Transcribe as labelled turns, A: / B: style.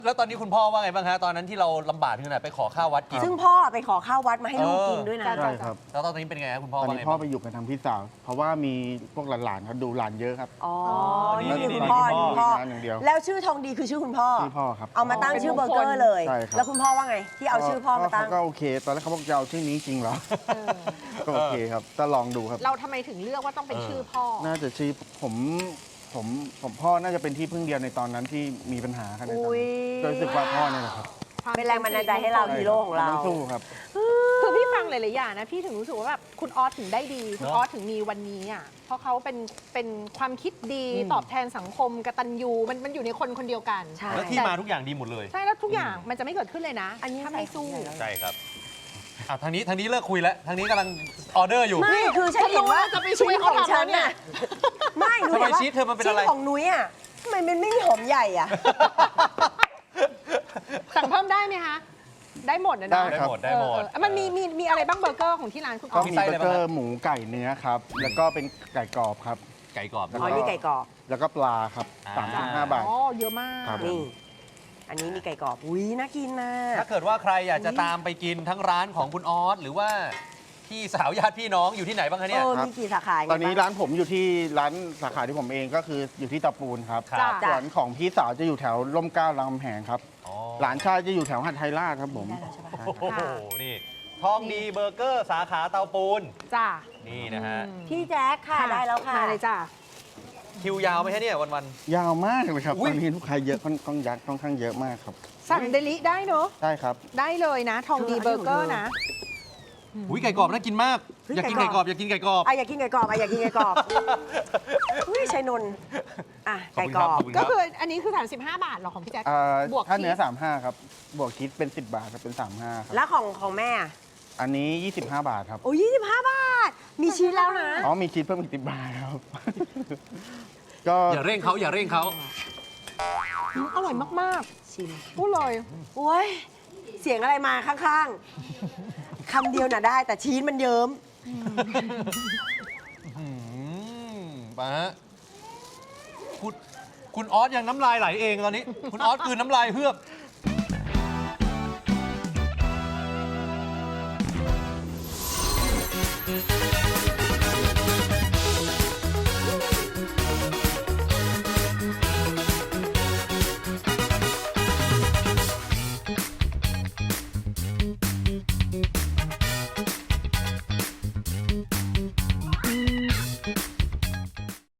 A: แล้วตอนนี้คุณพ่อว่าไงบ้างฮะตอนนั้นที่เราลำบากที่ไหนไปขอข้าววัดกิน
B: ซึ่งพ่อไปขอข้าววัดมาให้ลูกกินด้วยนะ
C: ใช่ครับ
A: แล้วตอนนี้เป็นไงฮะคุณพ่อ
C: ตอน
A: ว่า
C: นี้
A: ไง
C: พ่อ
A: บ้าง
C: ไปอยู่กับทางพี่สาว เพราะว่ามีพวกหลานๆเขาดูหลานเยอะครับ
B: อ๋อ
A: นี่
B: นี่
A: นี่
B: คุณพ่อ
A: นี่
B: คุณพ่อ
C: งานอย่างเดียว
B: แล้วชื่อทองดีคือชื่อคุณพ่อ
C: ชื่อพ่อครับ
B: เอามาตั้งชื่อเบอร์เกอร์เลย
C: ใช่ครับ
B: แล้วคุณพ่อว่าไง ที่เอาชื่อพ่อมาตั้ง
C: ก็โอเค ตอนแรกเขาบอกจะเอาชื่อนี้จริงเหรอ ก็โอเคครับจะลองดูครับ
D: เราทำไมถึงเลือกว่าต้องเป็นชื่อพ่อ
C: น่าจะชื่อผมพ่อน่าจะเป็นที่พึ่งเดียวในตอนนั้นที่มีปัญหาครับในตอน
B: อุ๊ย
C: นั้นก็รู้สึกว่าพ่อเนี่ยแหละครับ
B: เป็นแรงบันดาลใจให้เราฮีโร่ของเรา
C: ต้องสู้ครับ
D: คือพี่ฟังหลายๆอย่างนะพี่ถึงรู้สึกว่าแบบคุณออสถึงได้ดี คุณออสถึงมีวันนี้อ่ะเพราะเขาเป็นความคิดดีตอบแทนสังคมกตัญญูมันอยู่ในคนคนเดียวกัน
B: ใช่
A: แล้วที่มาทุกอย่างดีหมดเลย
D: ใช่แล้วทุกอย่างมันจะไม่เกิดขึ้นเลยนะ
B: อันนี้
D: ถ้าไม่สู้
A: ใช่ครับทางนี้เลิกคุยแล้วทางนี้กำลังออเดอร์อยู่
B: ไม่คือฉันเห็นว่า
D: จะไปช่วยเขาทำแล้วเนี่ย
B: ไม่หนู
A: ทำไม
B: เห็นว่า
A: ชีสเธอมันเป็นอะไร
B: ชิ้ของนุ้ยอ่ะทำไมมันไม่มีหอมใหญ่อ่ะ
D: สั่งเพิ่มได้ไหมคะ ได้หมดนะ
C: ได้
D: เนาะ
C: ครับ
A: ได้หมด
D: มันมีอะไรบ้างเบอร์เกอร์ของที่ร้านคุณอ
C: ก็
D: อส
C: มี
A: ไส้
C: เบ
A: อะไร
C: อร์
A: บ้าง
C: เกอ
A: ฮะ
C: ร์หมูไก่เนื้อครับ แล้วก็เป็นไก่กรอบครับ
A: ไก่กรอบ
C: แล้ว
B: อ๋อนี่ไก่กรอบ
C: แล้วก็ปลาครับ
A: อ่า
C: 35 บาท
D: อ๋อเยอะมาก
C: ครับ
B: นี่ อันนี้มีไก่กรอบ อุ้ยน่ากินนะ
A: ถ้าเกิดว่าใครอยากจะตามไปกินทั้งร้านของคุณออสหรือว่าพี่สาวญาติพี่น้องอยู่ที่ไหนบ้างคะเนี่ย
B: มีกี่สาขา
C: ตอนนี้ร้านผมอยู่ที่ร้านสาขาที่ผมเองก็คืออยู่ที่เตาปูนครับ
A: ครับ
C: ส่วนของพี่สาวจะอยู่แถวร่มเกล้ารามคำแหงครับ
A: อ๋อ
C: หลานชายจะอยู่แถวหัดไทยราชครับผม
B: ได้แล้วใช่ปะ
A: โอ้โหนี่ทองดีเบอร์เกอร์สาขาเตาปูน
D: จ้า
A: นี่นะฮะ
B: พี่แจ๊คค่ะ ได้แล้วค่ะ
D: มาเลยจ้า
A: คิวยาวไหมฮะเนี่ยวัน
C: ยาวมากเลยครับ
A: อุ๊
C: ต
A: ย
C: อนนี้ลูกค้าเยอะค่อนข้างเยอะมากครับ
D: สั่งเดลิได้เนอะ
C: ใช่ครับ
D: ได้เลยนะ ทองดีเบอร์เกอร์นะ
A: ๆอุ้ยไก่กรอบน่ากินมาก
B: เฮ้ย
A: อยากกิน
B: ไก่
A: ไก่
B: ก
A: ก
B: ร
A: ร
B: อ
A: อบ บอยากกินไก่กรอบ
B: อยากกินไก่กรอบอยากกินไก่กรอบอุ้ยชัยนนท์อ่ะ
A: ขอบ
B: ไก่
A: คุณ
B: กร
A: ครั
B: อ
A: บบ ขอบคุณครับ
D: ก็คืออันนี้คือ35 บาทเหรอของพี่แจ๊ค บวก
C: ถ้าเนื้อ
D: ชีส
C: 35ครับ บวกคิดเป็น 10 บาทครับเป็น 35ครับ
B: แล้วของแม่อ่ะ
C: อันนี้ 25 บาทครับ
B: โอ้ย25 บาท มีชีสแล้วนะ
C: อ๋อมีคิดเพิ่มอีก10 บาทครับ ก็
A: อย่าเร่งเขาอย่าเร่งเขา
D: อร่อยมาก
B: ชิม
D: ๆพูดเลย
B: โอ้ย เสียงอะไรมาข้างๆ คำเดียวน่ะได้ แต่ชีสมันเยิ้ม
A: มาฮะคุณออสยังน้ำลายไหลเองตอนนี้ คุณออสกลืนน้ำลายเฮือก